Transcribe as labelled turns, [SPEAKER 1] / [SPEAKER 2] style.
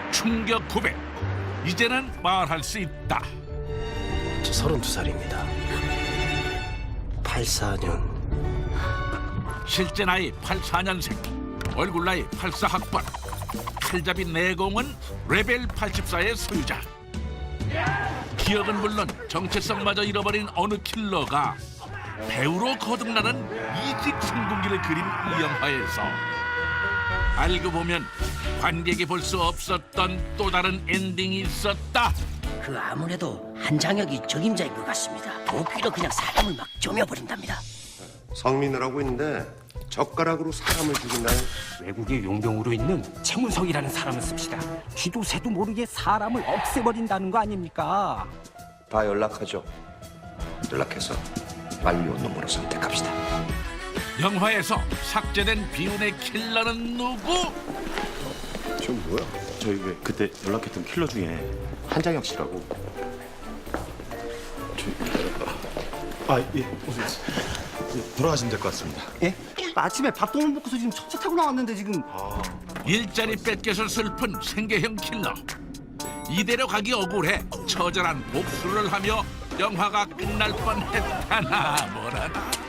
[SPEAKER 1] 충격 고백. 이제는 말할 수 있다.
[SPEAKER 2] 저 32살입니다. 84년.
[SPEAKER 1] 실제 나이 84년생, 얼굴 나이 84학번. 칼잡이 내공은 레벨 84의 소유자. 기억은 물론 정체성마저 잃어버린 어느 킬러가 배우로 거듭나는 이직 성공기를 그린 이 영화에서 알고 보면 관객이 볼 수 없었던 또 다른 엔딩이 있었다.
[SPEAKER 3] 그 아무래도 한장혁이 적임자인 것 같습니다. 도끼로 그냥 사람을 막 쪼며버린답니다.
[SPEAKER 4] 성민이라고 있는데 젓가락으로 사람을 죽인다는.
[SPEAKER 5] 외국의 용병으로 있는 최문석이라는 사람을 씁시다. 쥐도 새도 모르게 사람을 없애버린다는 거 아닙니까?
[SPEAKER 4] 다 연락하죠. 연락해서 완료 놈으로 선택합시다.
[SPEAKER 1] 영화에서 삭제된 비운의 킬러는 누구?
[SPEAKER 4] 저 뭐야?
[SPEAKER 6] 저희 왜 그때 연락했던 킬러 중에 한장혁 씨라고. 예, 어서 돌아가시면 될 것 같습니다.
[SPEAKER 7] 예? 아침에 밥도 못 먹고서 지금 첫차 타고 나왔는데 지금.
[SPEAKER 1] 일자리 뺏겨서 슬픈 생계형 킬러. 이대로 가기 억울해 처절한 복수를 하며 영화가 끝날 뻔했다나 뭐라나.